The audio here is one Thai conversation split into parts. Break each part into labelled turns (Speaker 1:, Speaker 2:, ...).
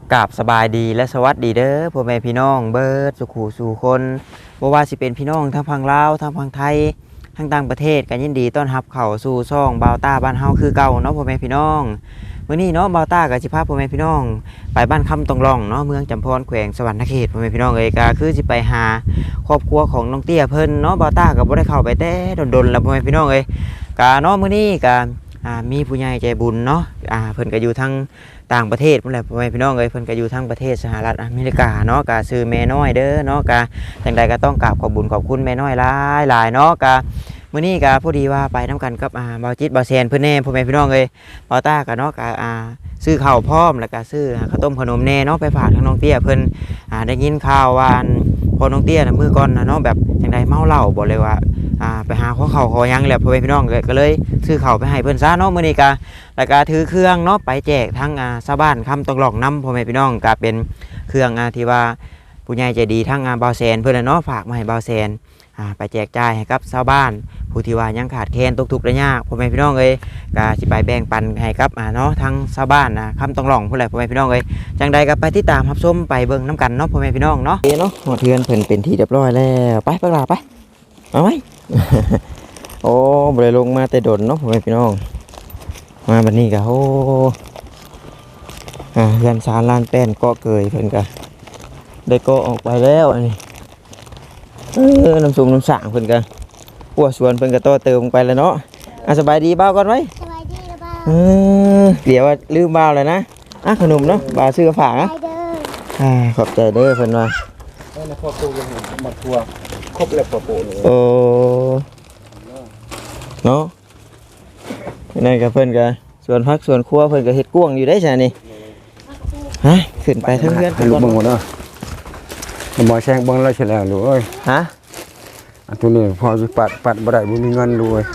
Speaker 1: กราบสบายดีและสวัสดีเด้อพ่อแม่พี่น้องเบิดสุขูสู่คนบ่ว่าสิเป็นพี่น้องทั้งฝั่งลาวทั้งฝั่งไทยทั้งต่างประเทศกันยินดีต้อนรับเข้าสู่ช่องบาวต้าบ้านเฮาคือเก่าเนาะพ่อแม่พี่น้องมื้อนี้เนาะบาวต้าก็สิพาพ่อแม่พี่น้องไปบ้านคำตองร่องเนาะเมืองจำพรแขวงสวรรณเขตพ่อแม่พี่น้องเอ้ยก็คือสิไปหาครอบครัวของน้องเตี้ยเพิ่นเนาะบาวต้าก็บ่ได้เข้าไปแต่ดนๆแล้วพ่อแม่พี่น้องเอ้ยก็เนาะมื้อนี้ก็มีผู้ใหญ่ใจบุญเนาะเพิ่นก็อยู่ทั้งต่างประเทศพุ่นแหละพ่อแม่พี่น้องเอ้ยเพิ่นก็อยู่ทั้งประเทศสหรัฐอเมริกาเนาะก็ชื่อแม่น้อยเด้อเนาะก็จังใดก็ต้องกราบขอบบุญขอบคุณแม่น้อยหลายๆเนาะก็มื้อนี้ก็พอดีว่าไปนํกันกับบ่าวจิตบ่าวแซนเพิ่นแน่พ่อแม่พี่น้องเอ้ยบ่าวต้าก็เนาะก็ซื้อข้าวพร้อมแล้วก็ซื้อข้าวต้มขนมแน่เนาะไปฝากทางน้องเตี้ยเพิ่นได้ยินข่าวว่าพอน้องเตี้ยน่ะมื้อก่อนน่ะเนาะแบบจังใดเมาเหล้าบ่เลยว่าไปหาข้าวขอหยังแหละพ่อแม่พี่น้องก็เลยซื้อข้าวไปให้เพิ่นซะเนาะมื้อนี้ก็แล้วก็ถือเครื่องเนาะไปแจกทั้งชาวบ้านคำตองหลอกน้ำพ่อแม่พี่น้องก็เป็นเครื่องที่ว่าผู้ใหญ่ใจดีทั้งบ่าวแซนเพิ่นเนาะฝากมาให้บ่าวแซนไปแจกจ่ายให้กับชาวบ้านผู้ที่ว่ายังขาดแคลนตกทุกข์ได้ยากพ่อแม่พี่น้องเอ้ยก็สิไปแบ่งปันให้กับเนาะทั้งชาวบ้านคำตองหลองผู้ใดพ่อแม่พี่น้องเอ้ยจังใดก็ไปติดตามรับชมไปเบิ่งน้ำกันเนาะพ่อแม่พี่น้องเนาะเนาะหอดเทือนเพิ่นเป็นที่เรียบร้อยแล้วไปลาไปเอาไว้ โอ้บ่ได้ลงมาแต่ดนเนาะพ่อแม่พี่น้องมาบัดนี้ก็โอ้เฮือนศาลลานแป้นเกาะเกยเพิ่นก็ได้เกาะออกไปแล้วอันนี้น้ำสูงน้ำสางเพิ่นก็ปัวสวนเพิ่นก็ต่อเติมลงไปแล้วเนาะสบายดีบ้าวก่อนไว้
Speaker 2: สบายดีนะบ้า
Speaker 1: เดี๋ยวว่าลืมบ้าวเลยนะขนมเนาะบ้าวซื้อกระฝากนะขอบใจเด้อเพิ่นว่า
Speaker 3: พอปูยังมาทัวครบแล้วพอปูเลย
Speaker 1: โอ้เนาะนั่นก็เพิ่นก็ส่วนพักส่วนครัวเพิ่นก็เฮ็ดกวางอยู่ได้ใช่นี่ขึ้นไปทั้งเรือน
Speaker 3: ให้ลูกเบิ่งหมดเนาะบ่แซงเบิ่งแล้วเฉยแล้วลูกเอ้ยอันตัวนี้พอสิปัดบ่ได้บ่มีเงินลูกเอ้ย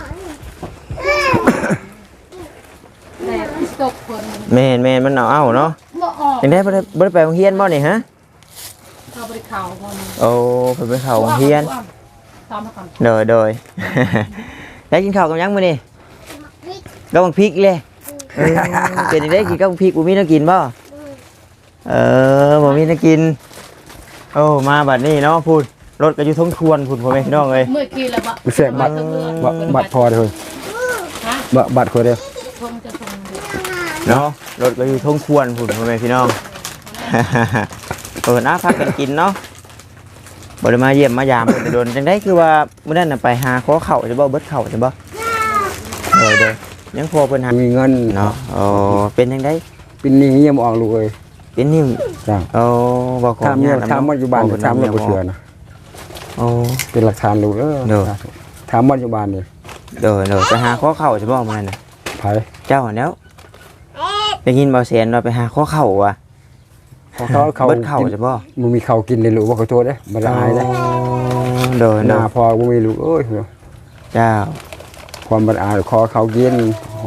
Speaker 1: แม่นมันเอาเนาะจังได๋บ่ได้ไปโรงเรียนบ่นี่ฮะ
Speaker 4: เข้าไปเข้าบ่นี่
Speaker 1: โอ้เพิ่นไปเข้าโรงเรียน
Speaker 4: ตามมาก่อน
Speaker 1: โดยได้กินข้าวกับหยังมื้อนี้กับบักพริกเลยเป็นจังได๋กินกับบักพริกบ่มีน้ำกินบ่บ่มีน้ำกินโอ้มาบัดนี้เนาะพูดรถก็อยู่ทงทวนพูดพ่อแม่พี่น้องเอ้ย
Speaker 4: เมื่อกี้แล้วบ่
Speaker 3: แซงบัตรพอเด้อบัตรพอเด้อ
Speaker 4: ทงจะทง
Speaker 1: เนาะรถก็อยู่ทงทวนพูดพ่อแม่พี่น้องนะพักกันกินเนาะบ่ได้มาเยี่ยมมายามเพิ่นโดนจังได๋คือว่ามื้อนั้นน่ะไปหาขอข้าวจะบ่เบิดข้าวจะบ่เด้อยังพอเพิ่นหา
Speaker 3: มีเงิน
Speaker 1: เนาะเป็นจังได๋
Speaker 3: เป็นหนี้ยังบ่ออกลูกเอ้ย
Speaker 1: เป็นนิ้ว
Speaker 3: จ้ะ
Speaker 1: บ่ขอ
Speaker 3: ถามปัจจุบันถามบ่เชื่อนะเป็นหลักฐานลูกถามปัจจุบันนี่
Speaker 1: ไปหาขอข้าวจะบ่มื้อนั้นน่ะ
Speaker 3: ไผ
Speaker 1: เจ้าหั่นแล้วได้ยินบ่แสนว่าไปหาขอข้าวว่ะ
Speaker 3: เขา
Speaker 1: เบิดข้าวจะบ่
Speaker 3: บ่มีข้าวกินเลยลูกบ่ขอโทษเด้บ่ได้เด้หน้าพอบ่มีลูกเอ้ย
Speaker 1: เจ้า
Speaker 3: ความบัดอายขอเขากิน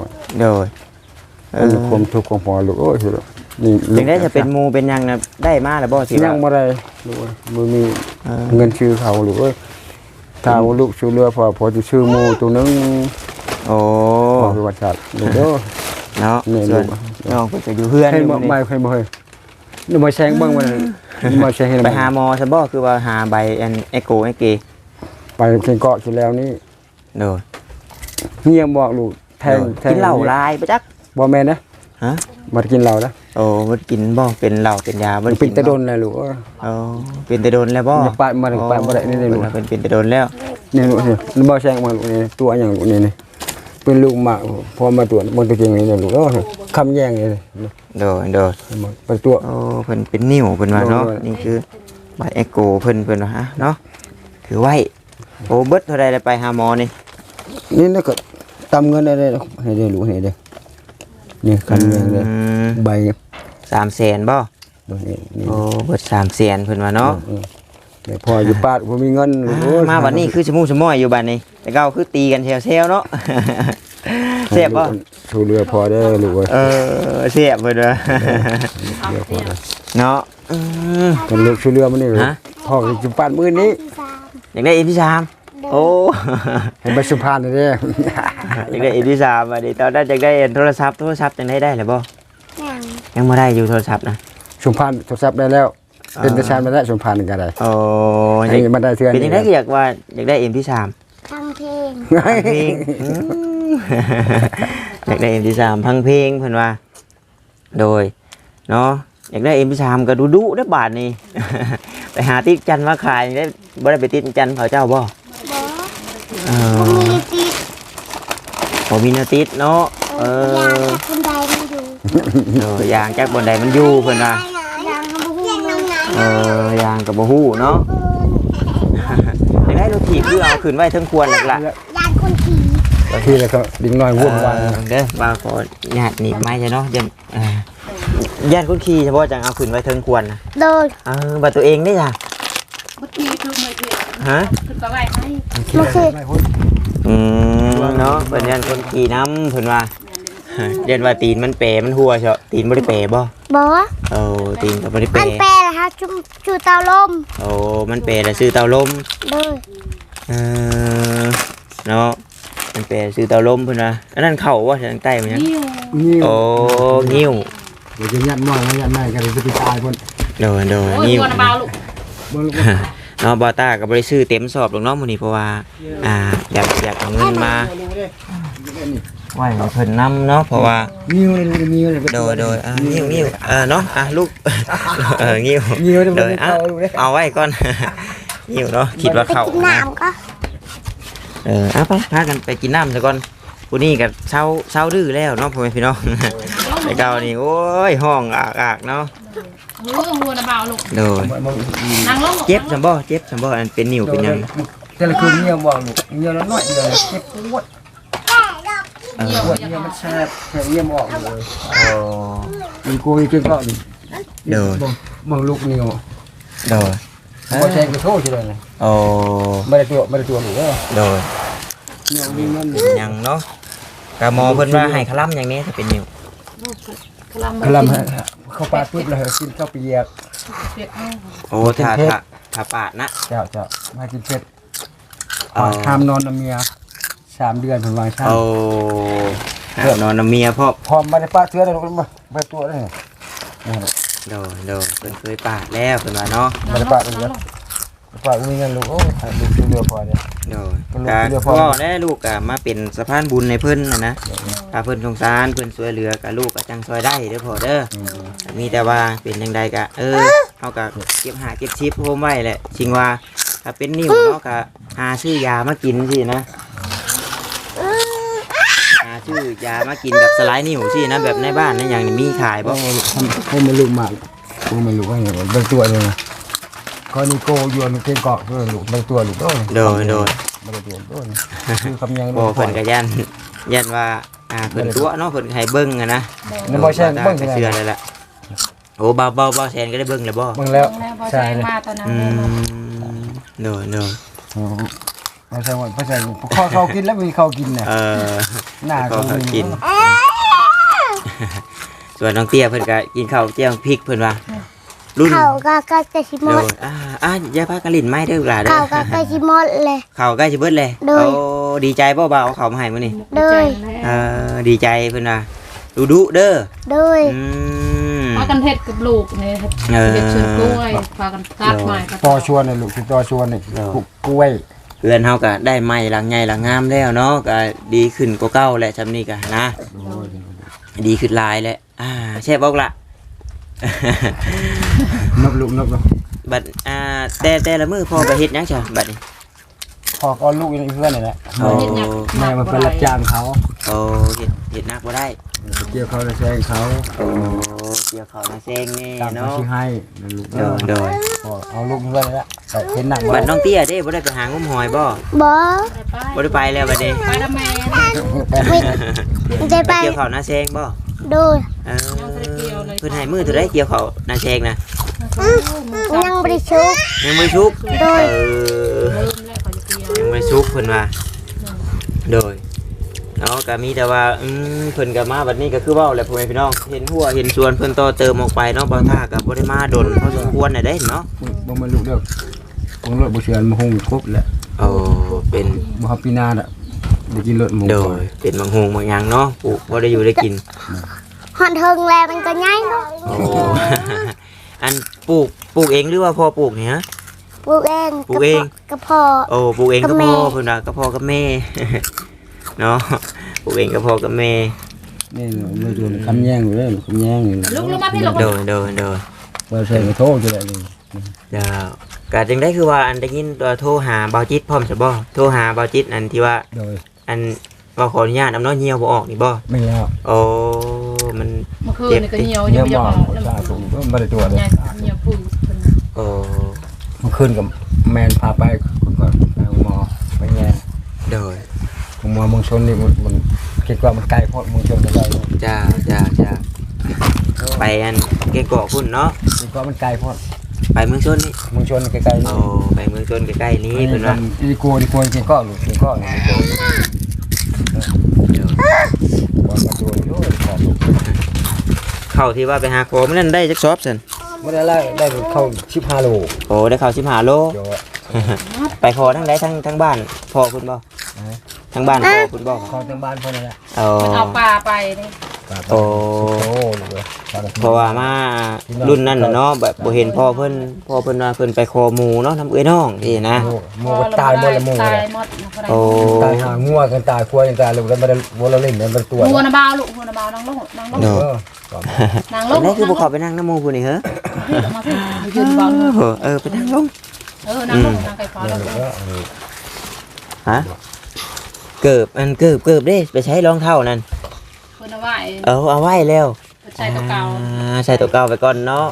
Speaker 3: ความทุกข์ของพ่อลูกเอ้ยนี่
Speaker 1: จังได๋จะเป็นหมู่เป็นหยังน่ะได้มาแล้วบ่สิ
Speaker 3: ยังบ่ได้ลูกบ่มีเงินชื่อเขาลูกเอ้ยถ้าลูกชื่อเรือพอจะชื่อหมู่ตัวนึง
Speaker 1: พอ
Speaker 3: ประวัติศาสตร์ลูกเด้อ
Speaker 1: เนาะส่วนน้องเพิ่นก็อยู่เฮือนอยู่
Speaker 3: นี่ใครบ่เฮ้ยนี่มาแซงเบิ่งมันมาแซงให้
Speaker 1: ไปหาหมอซะบ่คือว่าหาใบเอโกเอเก
Speaker 3: ไปเพิ่นเกาะอยู่แล้วนี่
Speaker 1: เฮี
Speaker 3: ยบอกลูกแทง
Speaker 1: กินเหล้าลายบ่จัก
Speaker 3: บ่แม่นนะบ่กินเหล้านะ
Speaker 1: บ่กินบ่เป็นเหล้าเป็นยาบ่
Speaker 3: เป็นแต่โดนแล้วลูก
Speaker 1: เป็นแต่โดนแล้วบ่
Speaker 3: ปาดบ่ได้นี่ลูก
Speaker 1: เป็นแต่โดนแล้ว
Speaker 3: นี่ลูกนี่บ่แซงมาลูกนี่ตัวหยังลูกนี่เป็นลูกหมาพอมาตรวจมันตัวจริงนี่ลูกคำแย่งนี่ไปตัว
Speaker 1: เพิ่นเป็นนิ้วเพิ่นว่าเนาะนี่คือใบเอโกเพิ่นว่าเนาะถือไว้เบิดเท่าใดได้ไปหาหมอ
Speaker 3: นี่ก็ตำเงินได้ให้ได้ลูกให้ได้นี่คำแย่งเลยใบ
Speaker 1: 300,000บ่เบิด300,000เพิ่นว่าเนาะ
Speaker 3: แต่พออยู่ปาดบ่มีเงิน
Speaker 1: มาบัดนี้คือชะมูชะม้อยอยู่บัดนี้แต่เก่าคือตีกันแซวๆเนาะเสียบบ่
Speaker 3: ชูเรือพอได้ลูกเอ้
Speaker 1: ยเสียบเพิ่นว่าเนาะ
Speaker 3: กันลูกชูเรือมันนี่พ่อสิปาดมื้อนี้
Speaker 1: อยากได้EP3
Speaker 3: ให้ไปสุพรรณเด้
Speaker 1: อยากได้EP3บัดนี้ตอนนั้นอยากได้โทรศัพท์จังได้แล้วบ่ยังบ่ได้อยู่โทรศัพท์นะ
Speaker 3: ชุมพานโทรศัพท์ได้แล้วเป็นประชาชนมาได้ชุมพานก็ได้
Speaker 1: โอ้
Speaker 3: ให้มันได้เทื่อ
Speaker 1: เป็นจังได๋ก็อยากว่าอยากได้ MP3
Speaker 2: ฟังเพลง
Speaker 1: เพลงอยากได้ MP3 พังเพลงเพิ่นว่าโดยเนาะอยากได้ MP3 ก็ดุๆได้อบาทนี่ ไปหาติดจันมาขายได้บ่ได้ไปติดจันเขาเจ้าบ่
Speaker 2: บอ
Speaker 1: เอ
Speaker 2: ผมมี
Speaker 1: อ
Speaker 2: ติด
Speaker 1: บ่มีแนวติดเนาะเอย
Speaker 2: าง
Speaker 1: อ
Speaker 2: จากคนใดมันอยู่
Speaker 1: ยางจากบนใดมันอยู่เพิ่นว่าย
Speaker 2: างเขาพูดน้ำไหน
Speaker 1: ยางก็บ่ฮู้เนาะ อยากได้รถถีบคือเอาขึ้นไว้เทิงควรหลักละ
Speaker 2: ยางคนขี่
Speaker 3: บางทีแล้วก็ดิ้งน้อยวุ่นวาย
Speaker 1: เด้อบ่าวขอญาติหนีบไม้ใช่เนาะเดี๋ยวญาติคนขี่เฉพาะจังเอาขึ้นไว้เทิงควรนะ
Speaker 2: โดย
Speaker 1: บัดตัวเองได้จ้ะ
Speaker 4: เมื่อกี้คือไม่เพียง
Speaker 1: ฮะ
Speaker 4: คือก็ไว้ให้
Speaker 2: มาคือ
Speaker 1: เนาะเพิ่นญาติคนขี่น้ำเพิ่นว่าเรียนว่าตีนมันเป๋มันหัวเฉาะตีนบ่ได้เป๋บ่
Speaker 2: บอ
Speaker 1: ตีนก็บ่ได้
Speaker 2: มั
Speaker 1: เป๋
Speaker 2: นแปลนะคะชูเตาลม
Speaker 1: มันเป๋แล้วซื้อเตาลม
Speaker 2: โดย
Speaker 1: เนาะมันเป๋ซื้อเตาลมเพิ่นว่าอันนั้นเข้าว่าทางใต้มันยัง
Speaker 4: นิ้ว
Speaker 3: นี่
Speaker 1: งิ้ว
Speaker 3: เดี๋ยวจะยัดน้อยแล้วยัดไม่กันจะไปตายคน
Speaker 1: โด
Speaker 4: โอ้ย
Speaker 1: งิ้ว
Speaker 4: ตัวน้ำเบาลูก
Speaker 1: เนาะบอต้าก็บ่ได้ซื้อเต็มสอบหรอกเนาะมื้อนี้เพราะว่าอยากเอาเงินมาไว้ให้เพิ่นนํเนาะเพราะว่า
Speaker 3: นิ้วเลยนิ้วเลย
Speaker 1: โดยงิ้วเนาะลูกงิ้ว
Speaker 3: นิ้วเลย
Speaker 1: โดยเอาไว้ก่อน งิ้วเนาะคิดว่า
Speaker 2: ไป
Speaker 1: เข้า
Speaker 2: กิน
Speaker 1: นะ
Speaker 2: น้ำก็
Speaker 1: ไปพากันไปกินน้ำซะก่อนผู้นี้ก็เช้าดื้อแล้วเนาะพ่อแม่พี่น้อง ไอ้เก่านี่โอ้ยห้องอากเนาะ
Speaker 4: หัวน้ำเบาลูก
Speaker 1: โดย
Speaker 4: นั่งลง
Speaker 1: เจ็บจังบ่อันเป็นนิ้วเป็นหยัง
Speaker 3: แต่ละคืนเงี้ยบอกลูกเงี้ยแล้วน้อยเดียวเจ็บปวด
Speaker 1: เออ
Speaker 3: ปวดเงี้ยมันแสบแสบเงี้ยออกเลย
Speaker 1: โอ้
Speaker 3: มันกูอีกก็นี่
Speaker 1: โดย
Speaker 3: มึงลูกนิ้ว
Speaker 1: โดย
Speaker 3: พอแทงก็โทษทีเลย
Speaker 1: โอ้
Speaker 3: ไม่ได้ตัวหรือ
Speaker 1: โดย
Speaker 3: นิ้วนี่มัน
Speaker 1: เป็นหยังเนาะกะหมอเพิ่นว่าให้คลั่มอย่างนี้ถ้าเป็นนิ้ว
Speaker 3: คลำเข้าปากปุ๊บเลยกินข้าวเปียก
Speaker 4: เปียกเอา
Speaker 1: โอ้ถ้าปาดนะ
Speaker 3: เจ้ามากินเผ็ดห้ามนอนน้ำเมีย3 เดือนผมวางช่าง
Speaker 1: โอ้ห้ามนอนนำเมียพ่อ
Speaker 3: พร้อมมาได้ป้าเชื้อเลยลูกมาไปตัวเลย
Speaker 1: โดเพิ่นเคยปาดแล้วเพิ่นว่าเนาะ
Speaker 3: มาได้ป้าเลยนะป้ามีเงินลูกโอ้ยลูกเรือพอเนี่ย
Speaker 1: โดกะพ่อได้ลูกกะมาเป็นสะพานบุญในเพิ่นนะถ้าเพิ่นสงสารเพิ่นช่วยเหลือกะลูกกะจังช่วยได้เด้อพ่อเด้อมีแต่ว่าเป็นจังใดกะเฮากะเก็บหาเก็บชิปโฮมไว้แหละจริงว่าถ้าเป็นนิ้วเนาะกะหาซื้อยามากินสินะหาซื้อยามากินแบบสลายนิ้วสินะแบบในบ้านในอย่างนี้มีขายบ่
Speaker 3: ให้มันลูกมากกูมันลูกว่าไงบางตัวเลยก็นี่โกยวนเก่งเกาะเพื่อนลูกบางตัวลูกโดน
Speaker 1: โดย
Speaker 3: บางตัวโดนคือคำยัง
Speaker 1: บ่เพิ่นก็ยันว่าเพิ่นตัวเนาะเพิ่นให้เบิ่งอะนะ
Speaker 3: ในบ่แช่งเบิ่ง
Speaker 1: เชื่อเลยล่ะโอ้เบาแซนก็ได้เบิ่งแล้วบ่
Speaker 3: เบิ่งแล้ว
Speaker 4: พอ
Speaker 3: ใช่
Speaker 4: แจ้ง
Speaker 3: เลย
Speaker 4: มาตอนนั้น
Speaker 1: โดย
Speaker 3: ไม่ใช่ว่าไม่ใช่เขากินแล้วมีเขากินเนี่ยหน้า
Speaker 1: ก็
Speaker 3: เขา
Speaker 1: กิน ส่วนน้องเตี้ยเพิ่นก็กินข้าวเจียวพริกเพิ่นว่ารุ่น
Speaker 2: เขาก็ใกล้จะชิม
Speaker 1: โด
Speaker 2: ด
Speaker 1: ยอย่าพากันลิ้นไม้เด้อหล่ะเด้อ
Speaker 2: เขาก็ใกล้ชิมดเลย
Speaker 1: ข้าวใกล้สิเบิดเลย
Speaker 2: โดย
Speaker 1: โอ้ดีใจบ่บ่าวเอาข้าวมาให้มื้อนี้
Speaker 2: โดย
Speaker 1: ดีใจเพิ่นว่าดุเด้อ
Speaker 2: โดย
Speaker 4: พากันเฮ็ดกับลูกเนี่ยเฮ็ดสวนกล้วยพากันตัดไม้
Speaker 3: ต่อชวนเลยลูกคือต่อชวนนี่กล้วย
Speaker 1: เพื่อนเฮาก็ได้ไม้หลังใหญ่หลังงามแล้วเนาะก็ดีขึ้นกว่าเก่าแหละซำนี้ก็นะดีขึ้นหลายแล้วแซ่บบ่ล่ะ
Speaker 3: นบลูกนบลูก
Speaker 1: บัดแต่ละมื้อพ่อไปเฮ็ดหยังจ้ะบัดนี้
Speaker 3: พอก็ลูกเพื่อนนี่แหละ
Speaker 1: โอ้
Speaker 3: แม่มันเป็นรับจ้างเขา
Speaker 1: โอ้เฮ็ดนักบ่ได้
Speaker 3: เกี่ยวเขาจะแซงเขา
Speaker 1: โอ้เกี่ยวข้าวนาแซงนี่
Speaker 3: ตามเขา
Speaker 1: เนาะ
Speaker 3: ชี้ให้ลูก
Speaker 1: โดย
Speaker 3: เอาลูกเพื่อนนี่แหละแต่เห็นหนัง
Speaker 1: บัดน้องเตี้ยเด้บ่ได้ไปหางมหอยบ่
Speaker 2: บอ
Speaker 1: บ่ได้ไปแล้วบัดนี้
Speaker 4: ไปแล้วแม่
Speaker 2: ไม่ได้ไป
Speaker 1: เกี่ยวข้าวนาแซงบ่
Speaker 2: โดย
Speaker 1: เพิ่นให้มื้อเท่าใดเกี่ยวข้าวนาแซงนะ
Speaker 2: ยังบริชุก
Speaker 1: ยังบ่ชุก
Speaker 2: โดย
Speaker 4: เริ่มแล้วก็จะเกี่ยว
Speaker 1: ยังบ่ชุกเพิ่นว่าโดยเนาะก็มีแต่ว่าเพิ่นก็มาบัดนี้ก็คือเว้าแหละพ่อแม่พี่น้องเห็นหัวเห็นสวนเพิ่นต่อเติมออกไปเนาะบ่ท่าก็บ่ได้มาดนพอสมควรน่ะเด้เนาะ
Speaker 3: บ่มาลูกเด้อผมรถบ่เชื่อมาหงครบแหละ
Speaker 1: โอ้เป็น
Speaker 3: บ่ฮับปีนาน่ะได้กินรถหมู
Speaker 1: โดยเป็นบางโฮงบางอย่างเนาะปลูกบ่ได้อยู่ได้กิน
Speaker 2: หอนเทิงแล้วมันก็ง่ายเนาะ
Speaker 1: โอ้อันปลูกเองหรือว่าพ่อปลูกเนี่ยฮะ
Speaker 2: ปลูกเอง
Speaker 1: ปลูกเอง
Speaker 2: กระเพาะ
Speaker 1: โอ้ปลูกเอง
Speaker 2: กั
Speaker 1: ก็
Speaker 2: บ
Speaker 1: พ่
Speaker 2: แม่
Speaker 1: อเพิ่นว่าก็พ่อกับแม่ เนาะปลูกเองก็พ่อกับแม่
Speaker 3: นี่มือตัวคำแย่งอยู่เลยคำแย่งอยู่
Speaker 4: ลูกมาพี่ลูก
Speaker 1: โดย
Speaker 3: ว่าใช่ก็โทษจะได้เลย
Speaker 1: เจ้าก็จึงได้คือว่าอันได้ยินตัวโทรหาเบาจิตพร้อมซะบ่โทรหาเบาจิตอันที่ว่า
Speaker 3: โดย
Speaker 1: อันว่าขออนุญาตน้ำน้อยเหี่ยวบ่ออกนี่บ่
Speaker 3: ไม่แล้ว
Speaker 1: โอ้มัน
Speaker 4: เมื่อคืนนี่ก็เหี่ยว
Speaker 3: เยี่
Speaker 4: ยั
Speaker 3: ย
Speaker 4: ง
Speaker 3: ม
Speaker 4: ไม่
Speaker 3: มาก
Speaker 4: ออกแล้ว
Speaker 3: ชาสูงก็ไม่ได้ตัวเลย
Speaker 4: เหี่ยวปื้
Speaker 1: โอ้
Speaker 3: เมื่อคืนกับแมนพาไปก่อนไปหมอไปแย่
Speaker 1: โดย
Speaker 3: หมอเมืองชนนี่มันคิดว่ามันไกลเพราะเมืองชนจะได้
Speaker 1: จ้าไปอันเกเกาะพุ่นเนาะ
Speaker 3: คิดว่ามันไกลเพราะ
Speaker 1: ไปเมืองชนนี่
Speaker 3: เมืองชนใกล้ๆ
Speaker 1: โอ้ไปเมืองชนใกล้ๆนี้เพิ่นว่า
Speaker 3: ดีกลัวจริงก็หลุดจริงก็นี่ว่ามาตัวนี้ด้วยขอบลูก
Speaker 1: เข้าที่ว่าไปหาโคมนั่นได้จักซอบซั่น
Speaker 3: ไม่ได้ไล่ได้เข้า15 โล
Speaker 1: โอ้ได้เข้า15โล
Speaker 3: เดี๋ยว
Speaker 1: ไปขอทั้งใดทั้งบ้านพ่อคุณบ่ทั้งบ้านพ่อคุณบ่
Speaker 3: เข้าทางบ้านพ่อนั่นแหละ
Speaker 1: โอ้
Speaker 4: มันเอาปลาไปนี่
Speaker 1: โอ้
Speaker 3: ลูกเลย
Speaker 1: เพราะว่ามารุ่นนั้นน่ะเนาะแบบบ่เห็นพ่อเพิ่นว่าเพิ่นไปขอหมู่เนาะทำเอ้ยน้องที่นะ
Speaker 3: หมูก็ตายหมดละหมู
Speaker 4: ตา
Speaker 3: เลย ย
Speaker 4: หมด
Speaker 1: โอ้
Speaker 3: ตายหางัวกันตายควายกันตายลูกแล้วมันวัวเราเล่นเนี่ยมันตัว
Speaker 4: หัวนาบาวลูกหัวนาบาวนั่งลงนั่งลง
Speaker 1: เนาะ
Speaker 4: นั่งล
Speaker 1: อั
Speaker 4: ง
Speaker 1: นนี้คือบ่เข้าไปนั่งน้ำหมู่พุ่นนี่เหรอ
Speaker 4: มาสิยืนเบา
Speaker 1: ไปนั่งลง
Speaker 4: นั่งลงนั่งไก่ฟ้าลง
Speaker 1: ฮะเกิบเด้ไปใช้รองเท้านั่น
Speaker 4: คนเอาไว้
Speaker 1: เอาไว้แล้ว
Speaker 4: ใช้ตัวเก่า
Speaker 1: ใส่ตัวเก่าไปก่อนเนาะ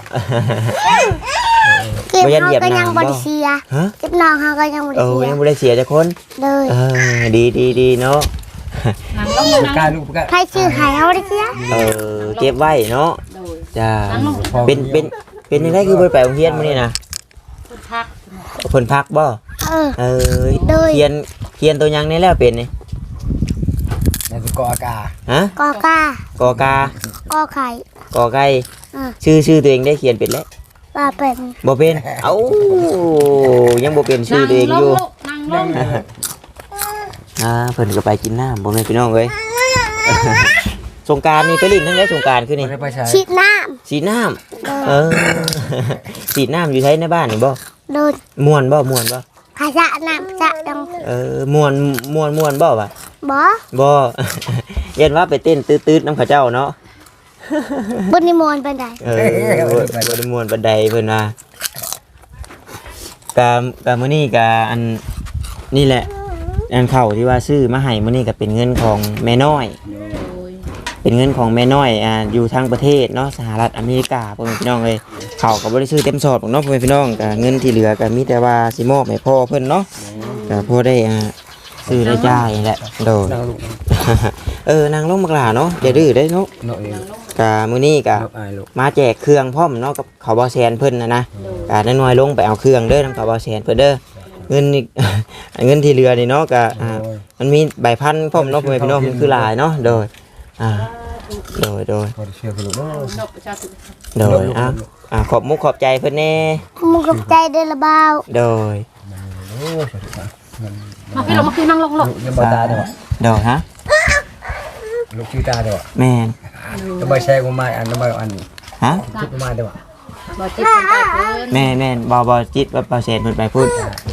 Speaker 2: เก็บ
Speaker 1: บ่ยัน
Speaker 2: เฮา
Speaker 1: เหยียบ
Speaker 2: ก็
Speaker 1: น้ำ
Speaker 2: ยัง
Speaker 1: บ่
Speaker 2: บ่ได้เสีย
Speaker 1: ฮะ
Speaker 2: เก็บน้องเฮาก็ยังบ่ได้
Speaker 1: โอ้
Speaker 2: เสีย
Speaker 1: ยังบ่ได้เสียจักคน
Speaker 2: เลย
Speaker 1: ดีเนาะ
Speaker 4: นั่งลง
Speaker 3: กา
Speaker 4: นั่
Speaker 3: รง ลูกกา
Speaker 2: ใครชื่อให้เฮาบ่ได้เสีย
Speaker 1: เก็บไว้เนาะ
Speaker 4: โดย
Speaker 1: จ้า
Speaker 4: นั่งลง
Speaker 1: เป็นยังไงคือบ่ไปโรงเรียนมื้อนี้นะ
Speaker 4: คนพัก
Speaker 1: เพิ่นพักบ่
Speaker 2: เออ โดย
Speaker 1: เขียนตัวยังนี่แล้วเป็นนี่
Speaker 3: ในสกออากา
Speaker 1: ฮะ
Speaker 2: กอกาก
Speaker 1: อกาก
Speaker 2: อไข่
Speaker 1: กอไก่
Speaker 2: อ่า
Speaker 1: ชื่อตัวเองได้เขียนเป็นแล้ว
Speaker 2: ว่าเป็น
Speaker 1: บ่เป็นเอ้ายังบ่เป็นชื่อตัวเองอยู่
Speaker 4: นั่งลง
Speaker 1: เพิ่นก็ไปกินน้ำบ่แม่นพี่น้องเอ้ย สงกรานต์นี่ไปลิ้นทั้งได้สงกรานต์คือนี่
Speaker 3: ไม่ได้ไปใช้
Speaker 2: ฉีดน้
Speaker 1: สีน้ำ
Speaker 2: ำ
Speaker 1: เออ สีน้ำอยู่ใช้ในบ้านนี่บ่
Speaker 2: โดน
Speaker 1: ม่วนบ่
Speaker 2: ขยะน้ำจะดัง
Speaker 1: ม่วนบ่วะ
Speaker 2: บ่
Speaker 1: บ่ เย็นว่าไปเต้นตืดๆน้ำข้าเจ้าเนาะ
Speaker 2: บนนิมนต์ปานใด
Speaker 1: บ่ได้ม่วนปานใดเพิ่นว่ากะมื้อนี้กะอันนี่แหละอันเข้าที่ว่าซื้อมาให้มื้อนี้ก็เป็นเงินของแม่น้อย เป็นเงินของแม่น้อยอยู่ทางประเทศเนาะสหรัฐอเมริกาพ่อแม่พี่น้องเลยเขาก็บ่ได้ซื้อเต็มสอดหรอกเนาะพ่อแม่พี่น้องก็เงินที่เหลือก็มีแต่ว่าสิมอบให้พ่อเพิ่นเนาะก็พอได้ซื้อได้จ่ายนี่แหละโดด
Speaker 3: นั่งลูก
Speaker 1: นางลงบักหลาเนาะอย่าดื้อได้เนาะ
Speaker 3: เนาะเอง
Speaker 1: ก็มื้อนี้ก็
Speaker 3: อายลูก
Speaker 1: มาแจกเครื่องพร้อมเนาะกับเขาบ่แซนเพิ่นนะก็น้อยๆลงไปเอาเครื่องเด้อนำเขาบ่แซนเพิ่นเด้อเงินนี่ เงินที่เหลือนี่เนาะก็มันมีใบพันพร้อมเนาะพ่อแม่พี่น้องมันคือหลายเนาะโดยโดย
Speaker 3: พอเชื่อคุณลูกเนาะ
Speaker 4: นกประชาชน
Speaker 1: โดยขอบมุกขอบใจเพื่อนแน่
Speaker 2: มึงกับใจเด้อละบ่าว
Speaker 1: โดย
Speaker 3: โอ้สวัสดีครับ
Speaker 4: มาพี่ลงมาพี่นั่งลง
Speaker 3: ลูกยังบ่ตาเด้อ
Speaker 1: โดยฮะ
Speaker 3: ลูกชื่อตาเด้อ
Speaker 1: แม่น
Speaker 3: จะมาแชร์กูมาอันนั้นมาอัน
Speaker 1: ฮะ
Speaker 3: คิดมาเด้อ
Speaker 4: บ่จิตเป็นไปเพิ่น
Speaker 1: แม่นบอจิตว่าเปอร์เซ็นต์เพิ่นไปพูด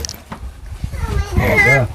Speaker 3: เด้อ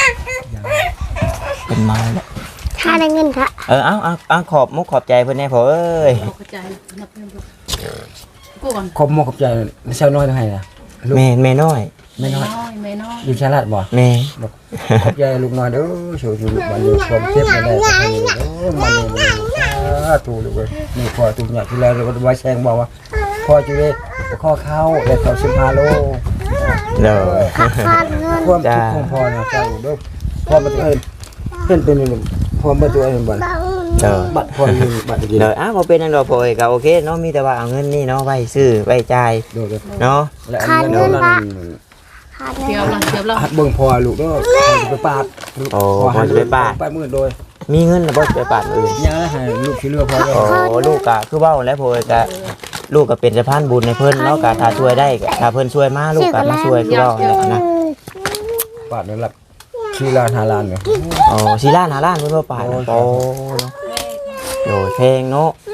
Speaker 1: เป็นไม้แล้ว
Speaker 2: ถ้าได้เงินค่ะ
Speaker 1: เอาขอบมุกขอบใจเพื่อนแน่พอเอ้ย
Speaker 4: เข้าใจนับเงินกูก่อน
Speaker 3: ขอบมขอบใจเช้าน้อยเท่าไหร่ล่ะลูก
Speaker 1: แม่น้อย
Speaker 3: ไม่น้อย
Speaker 4: ไม่น้อย
Speaker 3: อยู่ชาลาดบ่
Speaker 1: แม่
Speaker 3: ขอบใจลูกน้อยเด้อชูลูกบ้านอยู่ความเจ็บมาได้ก็ให้ลูกมันถูกลูกเว้ยนี่พอถูกเนี่ยที่แล้วเราไว้แซงบอกว่าพอจุเด้ข้อเข้าแล้วเขา15 โล
Speaker 1: โดย
Speaker 2: ขาดเงิน
Speaker 3: ความทุกข์ของพ่อนะเจ้าเด้อพ่อมาตัวเองเป็นพ่อมาตัวเองบ่
Speaker 1: โดย
Speaker 3: บัตรพ่ออยู่บัตรกิน
Speaker 1: โดยบ่เป็นอันดอกพอเอ้ยก็โอเคเนาะมีแต่ว่าเอาเงินนี่เนาะไว้ซื้อไว้จ่าย
Speaker 3: โดด
Speaker 1: เนาะ
Speaker 3: และอันนี้เรา
Speaker 2: ขาดเงิ
Speaker 4: เดี๋ยวน ลังเดี๋ยวเรา
Speaker 3: หัดเบิ่งพ่อลูกเด้อไปปาดไปมื้อโดย
Speaker 1: มีเงินแล้วบ่ไปปาดอื่น
Speaker 3: อย่าให้ลูกสิเลือพ่อเด้อ
Speaker 1: โอ้ลูกก็คือเว้าแล้วพอเอ้ยก็ลูกก็เป็นสะพานบุญให้เพิ่นเนาะก็ถ้าช่วยได้ก็ถ้าเพิ่นช่วยมาลูกก็มาช่วยคือเว้านะ
Speaker 3: ปาดนั่นล่ะชื่อร้าน5 ล้านเนาะ
Speaker 1: 4 ล้าน5 ล้านเพิ่นบ่ปาดโอ้โดยเพลงเนาะ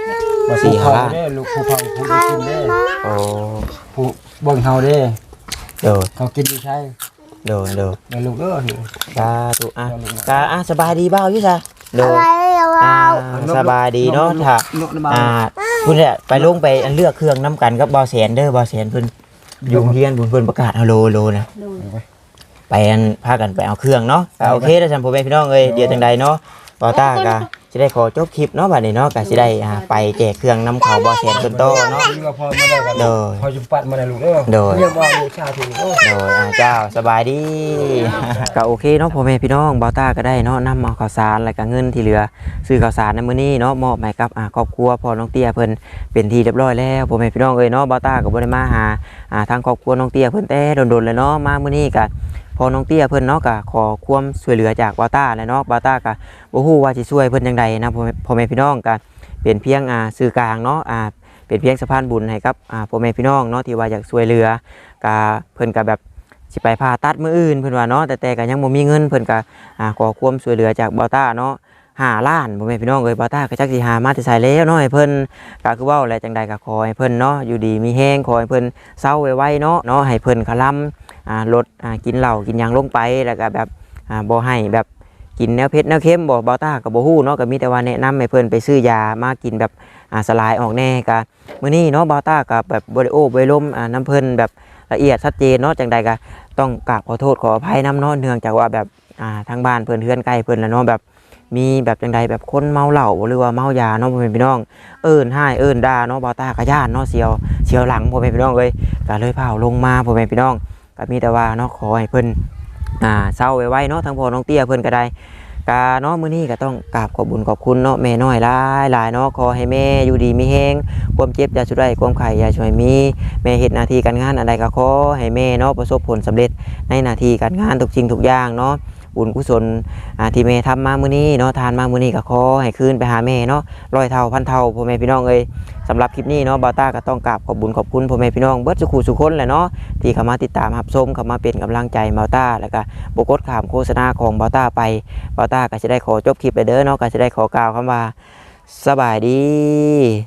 Speaker 3: ว่า
Speaker 1: สี่
Speaker 3: สี่
Speaker 1: ห้า
Speaker 3: เฮา
Speaker 1: ล้าน
Speaker 3: เด้ลูกผู้เฒ่าผู้
Speaker 2: ข้า
Speaker 3: กินเด้
Speaker 1: โอ้
Speaker 3: ผู้เบิ่งเฮาเด้
Speaker 1: โดด
Speaker 3: เขากินอยู่ใช่
Speaker 1: โดดโดด
Speaker 3: แม่ลูกเด้อ
Speaker 1: ตาตุอ่ะตาอ่ะสบายดีเบ้าอยู่ซะโด
Speaker 2: อะ
Speaker 1: ด
Speaker 2: ไรเรา
Speaker 1: สบายดีเนาะถ้า
Speaker 3: ลูกน้ำมัน
Speaker 1: คุณเนี่ยไปลงไปอันเลือกเครื่องน้ำกันกับบ่าวแสนเด้อบ่าวแสนเพิ่นอยู่โรงเรียนเพิ่นประกาศเอาโลนะ
Speaker 4: โดย
Speaker 1: ไปอันพากันไปเอาเครื่องเนาะก็โอเคแล้วท่านพ่อแม่พี่น้องเอ้ยเดี๋ยวจังใดเนาะบ่าวต้าก็สิได้ขอจบคลิปเนาะบัดนี้เนาะก็สิได้ไปแจกเครื่องน้ำเขาบ่าวแสนเพิ่นโตเนาะ
Speaker 3: พอมาได้กัน
Speaker 1: โดย
Speaker 3: พอจุปัดมาได้ลูกเด้อ
Speaker 1: โดย
Speaker 3: เรียกว่าลูกชาถูกเด้อ
Speaker 1: โดยเจ้าสบายดี ก็โอเคเนาะพ่อแม่พี่น้องบ่าวต้าก็ได้เนาะนำเอาข้าวสารแล้วก็เงินที่เหลือซื้อข้าวสารในมื้อนี้เนาะมอบให้กับครอบครัวพ่อน้องเตี้ยเพิ่นเป็นที่เรียบร้อยแล้วพ่อแม่พี่น้องเอ้ยเนาะบ่าวต้าก็บ่ได้มาหาทางครอบครัวน้องเตี้ยเพิ่นแต่โดนๆเลยเนาะมามื้อนี้ก็พอน้องเตี้ยเพิ่นเนาะก็ขอความช่วยเหลือจากบ่าวต้าเลยเนาะบ่าวต้าก็บ่ฮู้ว่าสิช่วยเพิ่นจังใดนะพ่อแม่พี่น้องก็เป็นเพียงสื่อกลางเนาะเป็นเพียงสะพานบุญให้กับพ่อแม่พี่น้องเนาะที่ว่าอยากช่วยเหลือก็เพิ่นก็แบบสิไปผ่าตัดมื้ออื่นเพิ่นว่าเนาะแต่ก็ยังบ่มีเงินเพิ่นก็ขอความช่วยเหลือจากบ่าวต้าเนาะ5 ล้านพ่อแม่พี่น้องเอ้ยบ่าวต้าก็จักสิหามาแต่ไสแล้วเนาะให้เพิ่นก็คือเว้าแหละจังใดก็ขอให้เพิ่นเนาะอยู่ดีมีแฮงขอให้เพิ่นเซาไวๆเนาะให้เพิ่นคลำลดกินเหล้ากินหยังลงไปแล้วก็แบบบ่ให้แบบกินแนวเผ็ดแนวเค็มบ่าวต้าก็บ่ฮู้เนาะก็มีแต่ว่าแนะนำให้เพิ่นไปซื้อยามากินแบบสลายออกแน่ก็มื้อนี้เนาะบ่าวต้าก็แบบบ่ได้โอ้บ่ได้ล้มน้ำเพิ่นแบบละเอียดชัดเจนเนาะจังใดก็ต้องกราบขอโทษขออภัยน้ำเนาะเนื่องจากว่าแบบทางบ้านเพิ่นเฮือนใกล้เพิ่นแล้วเนาะแบบมีแบบจังใดแบบคนเมาเหล้าหรือว่าเมายาเนาะพ่อแม่พี่น้องเอิ้นให้เอิ้นด่าเนาะบ่าวต้าก็ย่านเนาะเสียวหลังพ่อแม่พี่น้องเอ้ยก็เลยพาลงมาพ่อแม่พี่น้องก็มีแต่ว่าเนาะขอให้เพิ่นเศร้าไว้เนาะทางพ่อน้องเตี้ยเพิ่นก็ได้กาเนาะมื้อนี้ก็ต้องกราบขอบบุญขอบคุณเนาะแม่น้อยหลายเนาะขอให้แม่อยู่ดีมีแฮงความเจ็บอย่าชุดใดความไข้อย่าช่วยมีแม่เฮ็ดหน้าที่การงานอันใดก็ขอให้แม่เนาะประสบผลสำเร็จในหน้าที่การงานทุกสิ่งทุกอย่างเนาะบุญกุศลที่แม่ทำมามื้อนี้เนาะทานมามื้อนี้ก็ขอให้คืนไปหาแม่เนาะ100 เท่าพันเท่าพ่อแม่พี่น้องเอ้ยสำหรับคลิปนี้เนาะบ่าวต้าก็ต้องกราบขอบบุญขอบคุณพ่อแม่พี่น้องเบิดสุขุสุคนแหละเนาะที่เข้ามาติดตามรับชมเข้ามาเป็นกำลังใจบ่าวต้าแล้วก็บ่กดข้ามโฆษณาของบ่าวต้าไปบ่าวต้าก็จะได้ขอจบคลิปไปเด้อเนาะก็จะได้ขอกล่าวคำว่าสบายดี